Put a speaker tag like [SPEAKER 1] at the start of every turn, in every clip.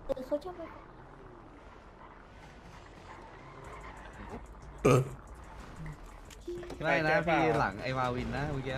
[SPEAKER 1] เขาจะไป
[SPEAKER 2] ไม่นะพี่หลังไอ้มาวินนะเมื่อกี้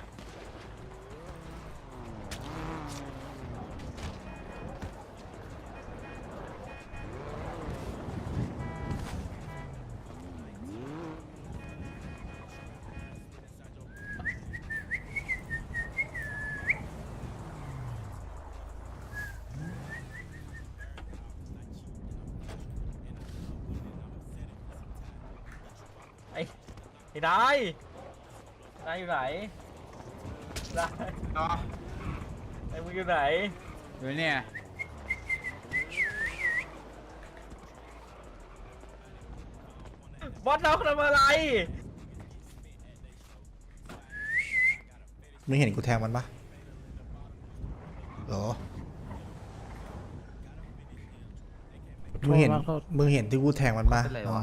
[SPEAKER 3] ไอ้นายอยู่ไหนนายไอ้มึงอยู่ไหน
[SPEAKER 2] อยู่เนี่ย
[SPEAKER 3] บอสน้องทำอะไร
[SPEAKER 4] มึงเห็นกูแทงมันปะหรอมึงเห็นที่กูแทงมันปะน้อง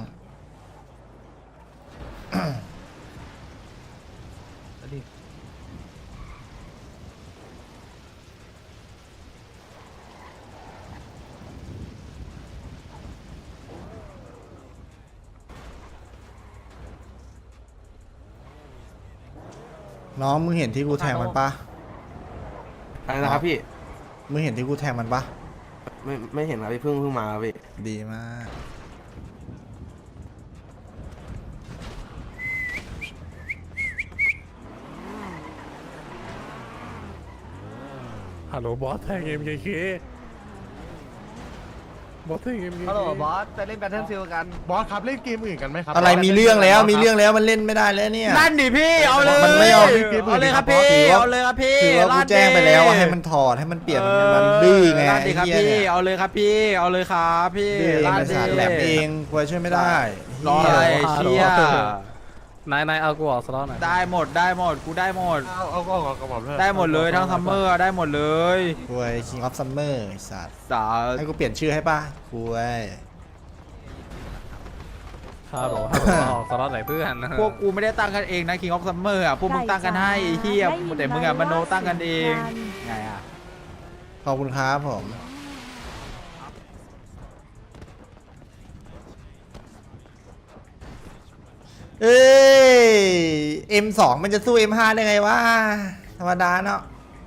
[SPEAKER 4] น้องมึงเห็นที่กูแทงมันปะ
[SPEAKER 5] อะไรนะครับพี่
[SPEAKER 4] มึงเห็นที่กูแทงมันปะ
[SPEAKER 5] ไม่เห็นครับพี่เพิ่งมาครับพี่
[SPEAKER 4] ดีมาก
[SPEAKER 6] ฮัลโหลบอสแทง MKK บอสแทง MKK
[SPEAKER 2] ฮัลโหลบอสไปเล่นแบทเทิลฟิลกัน
[SPEAKER 6] บอสครับเล่นเกมอื่นกันไหมครับ
[SPEAKER 4] อะไรมีเรื่องแล้วมันเล่นไม่ได้แล้วเนี่ย
[SPEAKER 2] นั่นดิพี่เอาเลย
[SPEAKER 4] มันไม่เอา
[SPEAKER 2] เอาเลยครับพี่เอาเลยครับพี่
[SPEAKER 4] คือว่ากูแจ้งไปแล้วว่าให้มันถอดให้มันเปลี่ยนมันดื้อไง
[SPEAKER 2] ลั่นดิครับ
[SPEAKER 4] ไอ้เหี้ย
[SPEAKER 2] พี่
[SPEAKER 4] เนี่ย
[SPEAKER 2] เอาเลยครับพี่เอาเลยครับพี่
[SPEAKER 4] ดื้อเอง
[SPEAKER 2] ลั่น
[SPEAKER 4] ไอ้
[SPEAKER 2] ดิ
[SPEAKER 4] สัตว์แหลมเองกูช่วยไม่ได้
[SPEAKER 2] รออะไรเชี่ย
[SPEAKER 6] นายเอากูออกสล็อตหน่อย
[SPEAKER 2] ได้หมดกูได้หมด
[SPEAKER 6] เอาก็ออกกระบอกเลย
[SPEAKER 2] ได้หมดเลยทั้งซัมเมอร์ได้หมดเลย
[SPEAKER 4] กูไอ้ King of Summer ไอ้สัตว์
[SPEAKER 2] สา
[SPEAKER 4] ให้กูเปลี่ยนชื่อให้ป่ะกูไอ้
[SPEAKER 6] ฮัลโหลออกสล็อตไหนเพื่อน
[SPEAKER 2] พวกกูไม่ได้ตั้งกันเองนะ King of Summer อ่ะพวกมึงตั้งกันให้ไอ้เฮียแต่มึงอ่ะมโนตั้งกันเองไงอ่ะ
[SPEAKER 4] ขอบคุณครับผมเอ้ย M2 มันจะสู้ M5 ได้ไงวะธรรมดาเนาะ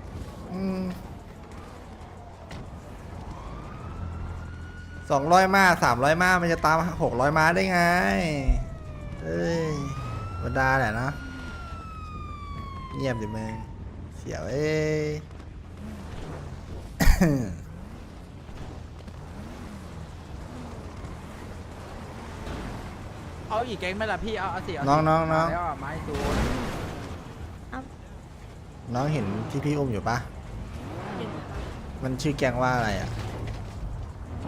[SPEAKER 4] 200 ม้า300 ม้ามันจะตาม600 ม้าได้ไงเอ้ยธรรมดาแหละนะเงียบดิมึงเสียวเอ้ย
[SPEAKER 2] เอาอีกแก๊งไหมล่ะพี่เอาสิ
[SPEAKER 4] น้อง
[SPEAKER 2] แล้วไม้ตูน
[SPEAKER 4] น้องเห็นที่พี่อุ้มอยู่ปะมันชื่อแกงว่าอะไรอ่ะ
[SPEAKER 2] มา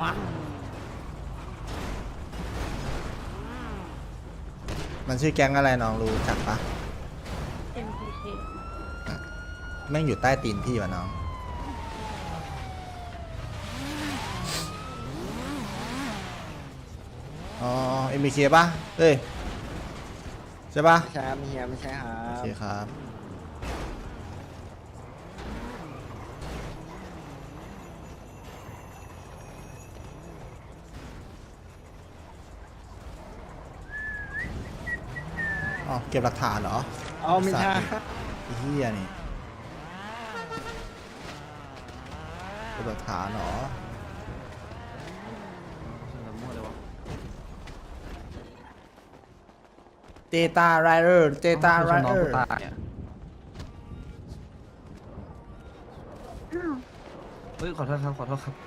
[SPEAKER 4] มันชื่อแก๊งอะไรน้องรู้จักปะ
[SPEAKER 1] MPK
[SPEAKER 4] แม่งอยู่ใต้ตีนพี่วะน้องอ๋อMBKปะเอ้ยใช่ปะ
[SPEAKER 5] ใช่เฮียไม่ใช่ครั
[SPEAKER 4] โอบ เคครับอ๋อเก็บหลักฐานเหรอ
[SPEAKER 5] เอาไม่ใช่
[SPEAKER 4] ไอ้เหี้ยนี่เก็บหลักฐานเหรอเตตาไรเดอร์เตตาไรเดอร์
[SPEAKER 1] อ้าว
[SPEAKER 2] เฮ้ยขอโทษครับ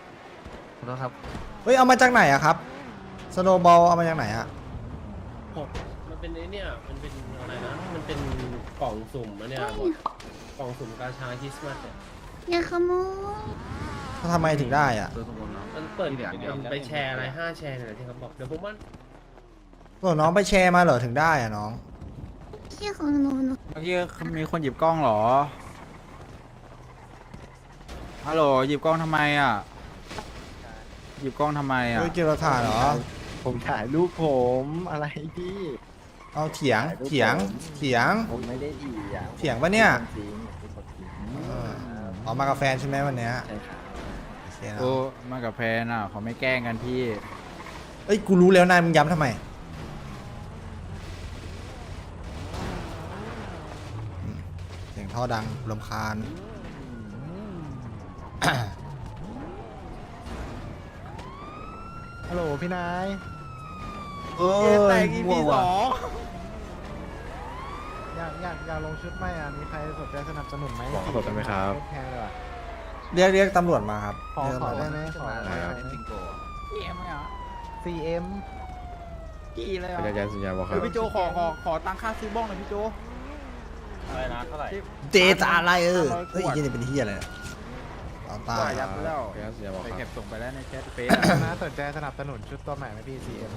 [SPEAKER 4] เฮ้ยเอามาจากไหนอะครับสโนว์บอลเอามาจากไหนอะ
[SPEAKER 7] มันเป็นไอ้เนี่ย มันเป็นอะไรนะ มันเป็นกล่องสุ่มอะเนี่ยกล่องสุ่มกาชาคริสต์มาสเนี่ย
[SPEAKER 1] อย่าขโมย
[SPEAKER 4] เขาทำไมถึงได้อะ
[SPEAKER 7] มันเปิดมันไปแชร์อะไร5 แชร์เนี่ยที่เขาบอก เดี๋ยวผมว่า
[SPEAKER 4] ส่วนน้องไปแชร์มาเหรอถึงได้อะน้อง
[SPEAKER 1] เชี่ยของหนู
[SPEAKER 2] เมื่อกี้มีคนหยิบกล้องเหรอฮัลโหลหยิบกล้องทำไมอ่ะหยิบกล้องทำไมอ่ะ
[SPEAKER 4] เฮ้ยเก็บหลักฐานเหรอ
[SPEAKER 5] ผมถ่ายรูปผมอะไรพี่
[SPEAKER 4] เอาเถียง
[SPEAKER 5] ผมไม่ได้ดีอ่ะ
[SPEAKER 4] เถียงปะเนี่ย
[SPEAKER 5] จริงเป็นคนจริง
[SPEAKER 4] ออกมากับแฟนใช่ไหมวันเนี้ย
[SPEAKER 5] ใช่ครับ
[SPEAKER 4] โอเคเคนะ
[SPEAKER 2] โอ้มากับแพนอ่ะเขาไม่แกล้งกันพี่
[SPEAKER 4] เอ้ยกูรู้แล้วนายมึงย้ำทำไมเสียงท่อดังรำคาญ
[SPEAKER 5] ฮัลโหลพี่นาย
[SPEAKER 4] เอ้ย
[SPEAKER 2] แต่ง EP
[SPEAKER 4] มั่ว
[SPEAKER 2] ส
[SPEAKER 4] ว่ะ
[SPEAKER 2] อง
[SPEAKER 5] อยากลงชุดไหมอ่ะมีใครสนใจสนับสนุนไหม
[SPEAKER 6] ขอสดได้ไหมครับ
[SPEAKER 5] แพงเลยว่ะ
[SPEAKER 4] เรียกตำรวจมาครับ
[SPEAKER 5] ขอ
[SPEAKER 4] เรียก
[SPEAKER 5] ขอ
[SPEAKER 4] ตำรว
[SPEAKER 5] ได้
[SPEAKER 4] จ
[SPEAKER 5] ไหมขอได้ไหม
[SPEAKER 2] พี่เอ็มเหรอ
[SPEAKER 5] CM
[SPEAKER 2] กี่เลยเหร
[SPEAKER 6] เป็น
[SPEAKER 2] อ
[SPEAKER 6] การสัญญาบอกค
[SPEAKER 2] เอ
[SPEAKER 6] รับ
[SPEAKER 2] อพี่โจขอตังค่าซื้อบ้องหน่อยพี่โจ
[SPEAKER 3] อะไรนะเท่าไหร่
[SPEAKER 4] เจตาอะไรเฮ้ย
[SPEAKER 2] ขวด
[SPEAKER 4] ยี่นี่เป็นเฮียอะไรเนี่ยเอาตา
[SPEAKER 2] ว่ายับไปแล้ว
[SPEAKER 6] เป็นการสัญญาบอก
[SPEAKER 2] ไป
[SPEAKER 6] ค
[SPEAKER 2] เก็
[SPEAKER 6] รั
[SPEAKER 2] บบ ส่งไปแล้วในแชทเฟซ
[SPEAKER 5] นะสนใจสนับสนุนชุดตัวใหม่ไหมพี่ CM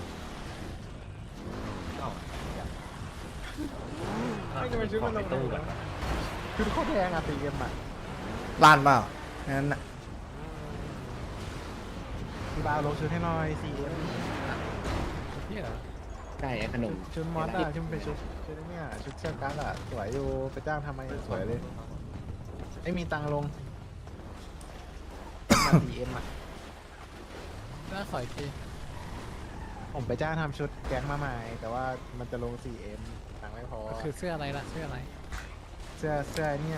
[SPEAKER 3] ไม่จะไปซื้อมันลงตู้กัน
[SPEAKER 5] ชุดโคตรแพงอ่ะ CM อ่ะ
[SPEAKER 4] ล้านเปล่างั้นน่ะ
[SPEAKER 5] พี่บาวลงชุดให้หน่อย CM
[SPEAKER 7] ได้ขนม
[SPEAKER 5] ชุดมอสอ่ะชุดเป็นชุดเนี่ยชุดเชือกกั๊กอ่ะสวยอยู่ไปจ้างทำไมสวยเลยไม่มีตังค์ลงมา CM อ่ะ
[SPEAKER 6] น่าขอยที
[SPEAKER 5] ผมไปจ้างทำชุดแก๊งมาใหม่ แต่ว่ามันจะลง 4M ตังค์ไม่พอ
[SPEAKER 6] คือเสื้ออะไรล่ะ เสื้ออะไร
[SPEAKER 5] เสื้อเนี่ย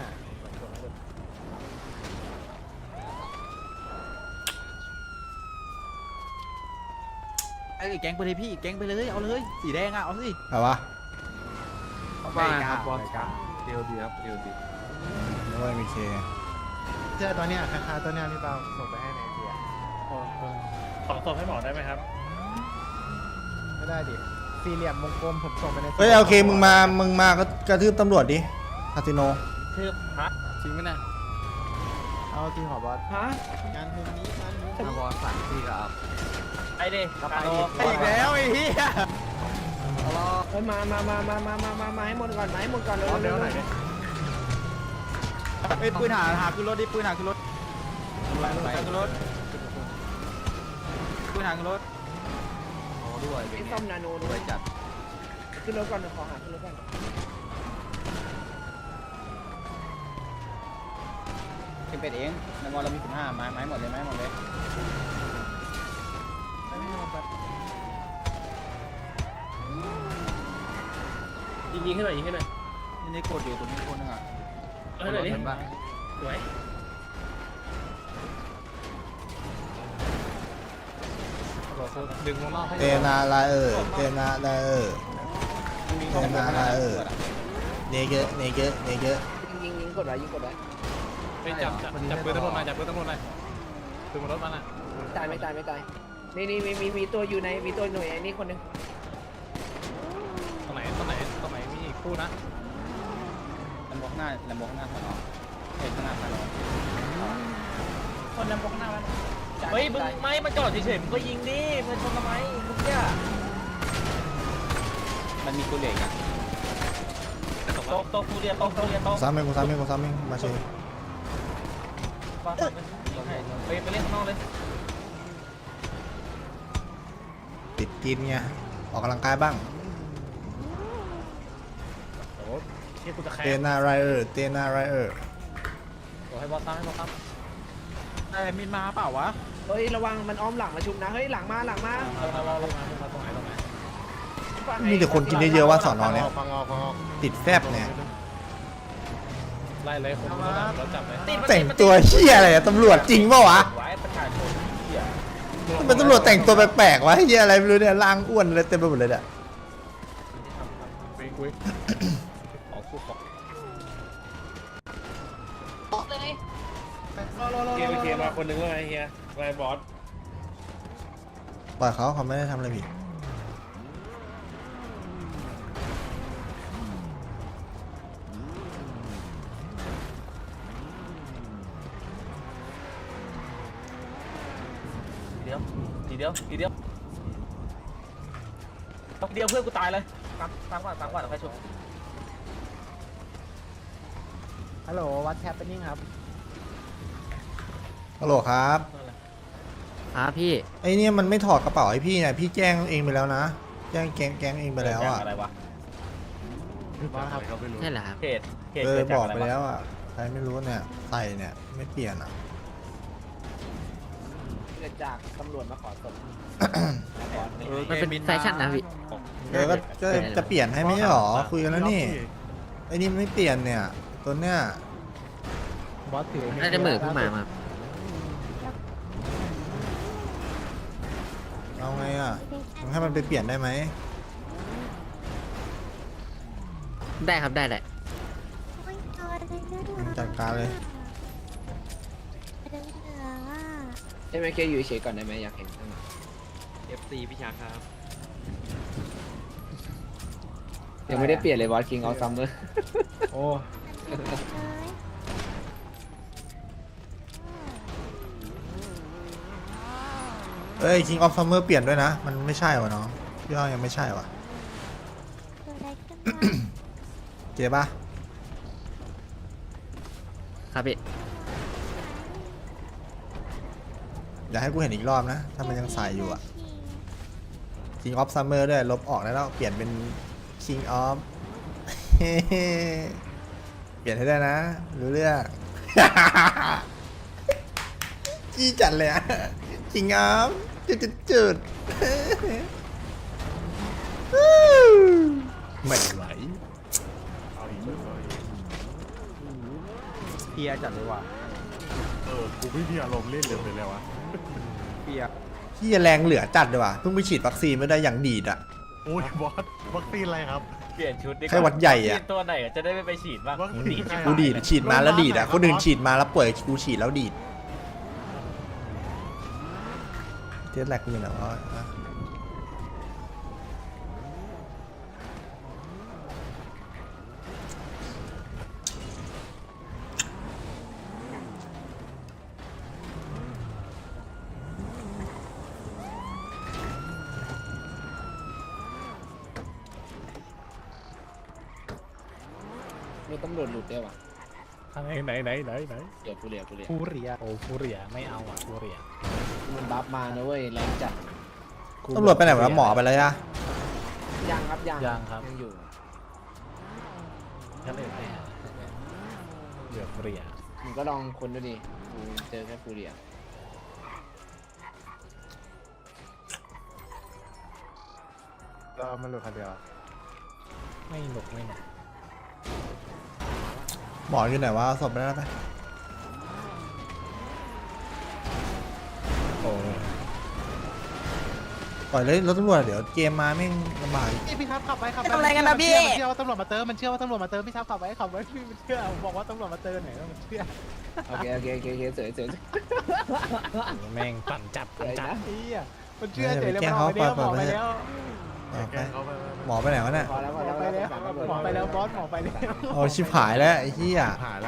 [SPEAKER 2] ไอ้แก๊งไปเลยพี่แก๊งไปเลยเอาเลยสีแดงอ่ะเอาสิ
[SPEAKER 4] เอาวะ
[SPEAKER 2] ว่าครับบอส
[SPEAKER 3] เดียวดีครับเดียวดี
[SPEAKER 4] ไม่ว่ามีเค
[SPEAKER 5] เสื้อตัวเนี้ยคล้ายๆตัวเนี้ยพี่เปาส่งไปให้ในเทีย
[SPEAKER 3] ขอส่งให้หมอได้ไหมครับ
[SPEAKER 5] ไม่ได้ดิสี่เหลี่ยมวงกลมผมส่งไปใน
[SPEAKER 4] เฮ้ยโอเคมึงมาก็กระทืบตำรวจดิคาสิโน
[SPEAKER 3] คือฮะ
[SPEAKER 6] จริงไหมเนี่ย
[SPEAKER 5] เอาจริงเหรอบอส
[SPEAKER 3] ฮะ
[SPEAKER 5] งานมุมนี้งานมุม
[SPEAKER 6] บอสสั่งพี่ครับ
[SPEAKER 3] ไอ้ดิกาโน
[SPEAKER 2] อีกแล้วไอ้เหี้ย
[SPEAKER 7] เฮ้ยมาให้หมดก่อนมาให้หมดก่อนเร็วๆหน่อย
[SPEAKER 2] ไอ้ปืนหาขึ้นรถดิปืนหาขึ้นรถไปขึ้นรถปืนหาขึ้นรถ
[SPEAKER 7] ไอ้ซ่อมนาโนด้วยจัดขึ้นรถก่อนขอหาขึ้นรถก่อน
[SPEAKER 3] เป็นเป็ดเองในมอเรามี15ไม้หมดเลยไม้หมดเลย
[SPEAKER 7] ยิงให้หน่อยยิงให้หน่อย
[SPEAKER 2] นี่กดอยู่ตรงนี้คนนึงอ่ะ
[SPEAKER 7] เอาให้หน่อยดิสวย
[SPEAKER 6] ดึงวงนอกให้
[SPEAKER 4] เตนาลาเออร์เตนาลาเออร์เตนาลาเออร์เนเกะเนเกะเนเกะ
[SPEAKER 7] ยิงกดไว้ยิงกดไว้
[SPEAKER 6] ไปจับปืนตำรวจมาจับปืนตำรวจมาปืนบนรถมันอ่ะ
[SPEAKER 7] ตายไม่ตายนี่มีตัวอยู่ในมีตัวหน่วยไอ้นี่คนนึง
[SPEAKER 6] ตรงไหนมีอีกคู่นะ
[SPEAKER 3] ลำโพงข้างหน้าสอนอเห็นข้างหน้าสอนอคนลำโพงข้างหน้ามันเฮ้ยมึงไม่มาจอดเฉยๆมึงก็ยิงดิมันชนทำไมมึงเนี่ยมันมีกูเหล็กอะโต๊ะฟูเรียโต๊ะ
[SPEAKER 4] ซ้ำเองกูซ้ำเองกูซ้ำเองมาเชย
[SPEAKER 3] ไปเล่นข้างนอกเลย
[SPEAKER 4] ติดกินไงออกกำลังกายบ้าง
[SPEAKER 3] ที่กูจะแข่
[SPEAKER 4] เตนาไรเออร์เตนาไรเออร์
[SPEAKER 3] ให้บอสตั้ม
[SPEAKER 2] ไอ้มินมาเปล่าวะ
[SPEAKER 7] เฮ้ยระวังมันอ้อมหลังมาชุบนะเฮ้ยหลังมา
[SPEAKER 6] ตรงไหน
[SPEAKER 4] มีแต่คนกินเยอะๆว่าสอนอเนี่ย
[SPEAKER 5] ฟังออก
[SPEAKER 4] ติดแฟบเนี่ย
[SPEAKER 6] ไล่เลยคนรถจับเลย
[SPEAKER 4] แต่งตัวเฮียอะไรอะตำรวจจริงเปล่าวะ
[SPEAKER 3] ไว้ประชาชนเหี้ย
[SPEAKER 4] ทำไมตำรวจแต่งตัวแปลกๆวะเฮียอะไรไม่รู้เนี่ยร่างอ้วนอะไรเต็มไปหมดเลยเนี่ย
[SPEAKER 6] คุย
[SPEAKER 3] ของกูของ
[SPEAKER 7] เฮียมาคนนึงเลยเฮียไงบอส
[SPEAKER 4] ปล่อยเขาไม่ได้ทำอะไรผิด
[SPEAKER 3] ทีเดียวเพื่อนกูตายเลยตามก่อนใครชุบ
[SPEAKER 5] ฮัลโหลวัดแฮปปิ้งครับ
[SPEAKER 4] ฮัลโหลครับ
[SPEAKER 7] พี่
[SPEAKER 4] ไอ้เนี่ยมันไม่ถอดกระเป๋าให้พี่เนี่ยพี่แจ้งเองไปแล้วนะแจ้งแก๊งเองไปแล้วอ่ะ
[SPEAKER 3] อะไรวะ
[SPEAKER 5] บอสครับ
[SPEAKER 7] ใช่เหรอครับ
[SPEAKER 3] เขต
[SPEAKER 4] บอกไปแล้วอ่ะใครไม่รู้เนี่ยใส่เนี่ยไม่เปลี่ยนอ่ะ
[SPEAKER 7] จากตำรวจมาขอศพ
[SPEAKER 2] มันเป็นแฟชั่นนะพี่
[SPEAKER 4] เดี๋ยวก็จะเปลี่ยนให้ไม่ใช่หรอคุยกันแล้วนี่ไอ้นี่ไม่เปลี่ยนเนี่ยตัวเนี้ย
[SPEAKER 5] บอสถือ
[SPEAKER 8] น่าจะเหมือนเพิ่งมามา
[SPEAKER 4] เอาไงอ่ะมึงให้มันไปเปลี่ยนได้ไหม
[SPEAKER 8] ได้ครับได้แหละ
[SPEAKER 1] โอ้ยตัวอะไรนะ
[SPEAKER 4] มึงจัดการเลย
[SPEAKER 1] เหลืองๆอ่ะ
[SPEAKER 8] ใช่ไหมแกอยู่เฉยก่อนได้ไหมอยากเห็น
[SPEAKER 6] FC พี่ชาครับ
[SPEAKER 8] ยังไม่ได้เปลี่ยนเลยบอส King of Summer
[SPEAKER 5] โอ้
[SPEAKER 4] เอ้ย King of Summer เปลี่ยนด้วยนะ มันไม่ใช่วะน้องพี่ว่ายังไม่ใช่วะ
[SPEAKER 1] ตัวอะไรขึ้นมา
[SPEAKER 4] เจ๊ปะ
[SPEAKER 8] ครับพี่
[SPEAKER 4] อย่าให้กูเห็นอีกรอบนะ ถ้ามันยังใส่อยู่อะ King of Summer ด้วยลบออกแล้วเปลี่ยนเป็น King of เปลี่ยนให้ได้นะรู้เรื่อง จี้จัดเลยอะ King of จุดไม่ไหว
[SPEAKER 2] เพียจัดเลยว่ะ
[SPEAKER 5] กูไม่มีอารมณ์เล่นเลยเลยวะ
[SPEAKER 2] เพีย
[SPEAKER 4] ที่แรงเหลือจัดเลยว่ะเพิ่งไปฉีดวัคซีนไม่ได้อย่างดีดอะ
[SPEAKER 5] โอ้ยบอสวัคซีนอะไรครับ
[SPEAKER 3] เปลี่ยนชุดดีกว่า
[SPEAKER 4] ไข้หวัดใหญ่อะ
[SPEAKER 3] วัคซีนตัวไหนจะได้ไม่ไปฉีดบ้าง
[SPEAKER 5] วัคซีน
[SPEAKER 4] กูดีดฉีดมาแล้วดีดอะคนอื่นฉีดมาแล้วป่วยกูฉีดแล้วดีดเจ๊แหลกกูอยู่ไหนวะ
[SPEAKER 8] มีตำรวจหลุดได้วะ
[SPEAKER 6] ไหน
[SPEAKER 8] เดี๋ยวกูเรียก
[SPEAKER 5] ฟูเรีย
[SPEAKER 6] โอ้ฟูเรียไม่เอาอ่ะฟูเรีย
[SPEAKER 8] มันบัฟมานะเว้ยแรงจัด
[SPEAKER 4] ตำรวจไปไหนวะหมอไปเลยอะ
[SPEAKER 8] ยังครับยัง
[SPEAKER 6] ยังครับ
[SPEAKER 8] ยังอยู่
[SPEAKER 6] ก็เลยเหลือฟูเรีย
[SPEAKER 8] มึงก็ลองคนดูดิกูเจอแค่ฟูเรีย
[SPEAKER 5] เรามันหลุดคันเดียว
[SPEAKER 6] ไม่หนุก
[SPEAKER 4] หมออยู่ไหนวะเอาศพไปแล้วไป
[SPEAKER 6] โอ้
[SPEAKER 4] ปล่อยเลยรถตำรวจเดี๋ยวเกมมาแม่งลำบาก
[SPEAKER 5] พี่ครับขับไปขับไป
[SPEAKER 1] ทำอะไรกันนะพี่
[SPEAKER 5] มันเชื่อว่าตำรวจมาเติมมันเชื่อว่าตำรวจมาเติมพี่ครับขับไปขับไว้พี่มันเชื่อบอกว่าตำรวจมาเติมไหนแล้วมันเชื่อ
[SPEAKER 8] โอเคสวย
[SPEAKER 6] แม่งปั่นจับ
[SPEAKER 8] สวยนะ
[SPEAKER 5] ไอ้เหี้ยมันเชื่อเฉยเลยมันออกไปแล้วหมอไปแล้ว
[SPEAKER 4] เอาไปหมอไปไหนวะเนี่ย
[SPEAKER 8] พอแล้ว
[SPEAKER 5] หมอไปแล้วหมอไปแล้วบอสหมอไปแล้ว
[SPEAKER 4] โอ้ชิบหายแล้วไอ้เหี้ย
[SPEAKER 5] หายแล้ว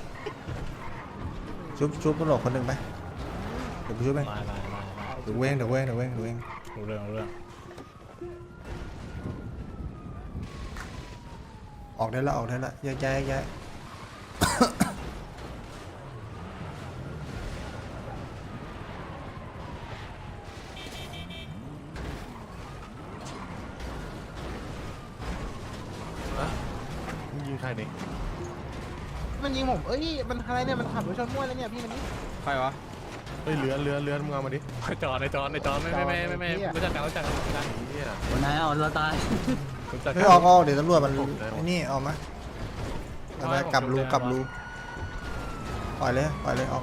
[SPEAKER 4] ชุบตำรวจคนหนึ่งไปเดี๋ยวกูชุบเอง
[SPEAKER 6] มา
[SPEAKER 4] เดี๋ยวเว้ง
[SPEAKER 6] รู้เรื่อง
[SPEAKER 4] ออกได้แล้วแยก
[SPEAKER 5] ยิงใครนี่มันยิงผมเอ้ยมันอะไรเนี่ยมันขับรถชนมั่วแล้วเนี่ยพี่มันนี่
[SPEAKER 2] ใครวะ
[SPEAKER 5] เฮ้ยเรือมึงเอามาดิ
[SPEAKER 6] จอดในจอไม่รู้จักกันไม่ได้
[SPEAKER 8] วันไหนเอาเราตาย
[SPEAKER 6] รู้จัก
[SPEAKER 4] ไม่ออกเดี๋ยวตำรวจมันไอ้นี่ออกมาเอาไปกลับรูปล่อยเลยออก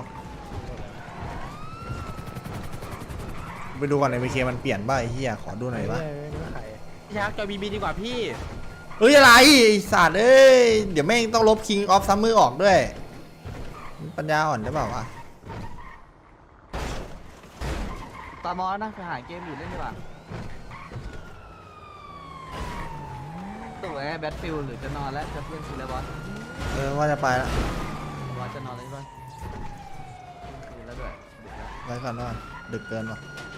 [SPEAKER 4] ไปดูก่อนในวีเคมันเปลี่ยนบ้าไอ้เหี้ยขอดูหน่อยวะ
[SPEAKER 2] พี่ชักจอยบีดีกว่าพี่
[SPEAKER 4] เฮ้ยอะไรไอ้สัตว์เอ้ยเดี๋ยวแม่งต้องลบ King of Summer ออกด้วยปัญญาอ่อนได้เปล่าวะ
[SPEAKER 8] ตามอนะไปหาเกมอยู่เล่นดีกว่าตัวแบทฟิลหรือจะนอนแล้วจะเล่นซีแล้วบอส
[SPEAKER 4] ว่าจะไปแล้ว
[SPEAKER 8] บอสจะนอนแล้วใช่ปะคืนแล้วด้วย
[SPEAKER 4] ไว้ก่อนว่าดึกเกินว่ะ
[SPEAKER 8] เ